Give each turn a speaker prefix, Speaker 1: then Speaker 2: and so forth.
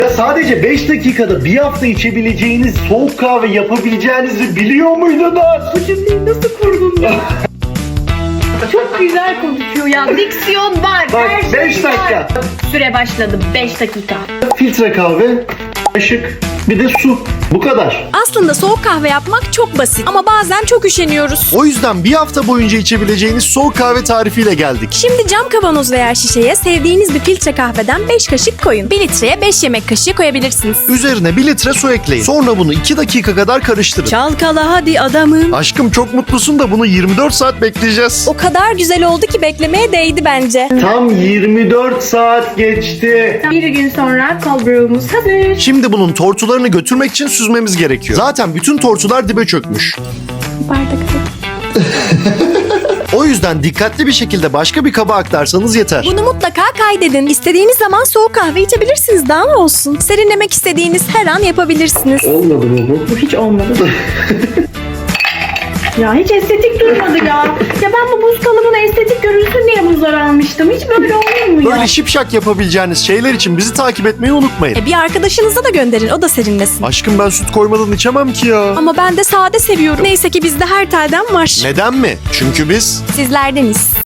Speaker 1: Sadece 5 dakikada bir hafta içebileceğiniz soğuk kahve yapabileceğinizi biliyor muydunuz?
Speaker 2: Bu cümleyi nasıl kurdun ya? Çok güzel konuşuyor ya. Diksiyon var.
Speaker 1: Bak,
Speaker 2: her şey
Speaker 1: 5 dakika.
Speaker 2: var. Süre başladı. 5 dakika.
Speaker 1: Filtre kahve, kaşık, bir de su. Bu kadar.
Speaker 3: Aslında soğuk kahve yapmak çok basit ama bazen çok üşeniyoruz.
Speaker 4: O yüzden bir hafta boyunca içebileceğiniz soğuk kahve tarifiyle geldik.
Speaker 3: Şimdi cam kavanoz veya şişeye sevdiğiniz bir filtre kahveden 5 kaşık koyun. 1 litreye 5 yemek kaşığı koyabilirsiniz.
Speaker 4: Üzerine 1 litre su ekleyin. Sonra bunu 2 dakika kadar karıştırın.
Speaker 3: Çalkala hadi adamım.
Speaker 4: Aşkım çok mutlusun da bunu 24 saat bekleyeceğiz.
Speaker 3: O kadar güzel oldu ki beklemeye değdi bence.
Speaker 1: Tam 24 saat geçti.
Speaker 2: Bir gün sonra cold brew'umuz hazır.
Speaker 4: Şimdi bunun tortularını götürmek için süzmemiz gerekiyor. Zaten bütün tortular dibe çökmüş. O yüzden dikkatli bir şekilde başka bir kaba aktarsanız yeter.
Speaker 3: Bunu mutlaka kaydedin. İstediğiniz zaman soğuk kahve içebilirsiniz. Daha ne olsun? Serinlemek istediğiniz her an yapabilirsiniz.
Speaker 1: Olmadı mı bu?
Speaker 2: Bu hiç olmadı. Ya hiç estetik durmadı ya. Ya ben bu buz kalıbına estetik görünsün diye buzlar almıştım. Hiç böyle olur mu ya?
Speaker 4: Böyle şipşak yapabileceğiniz şeyler için bizi takip etmeyi unutmayın.
Speaker 3: Bir arkadaşınıza da gönderin. O da serinlesin.
Speaker 4: Aşkım ben süt koymadan içemem ki ya.
Speaker 3: Ama ben de sade seviyorum. Neyse ki bizde her telden var.
Speaker 4: Neden mi? Çünkü biz
Speaker 3: Sizlerdeniz.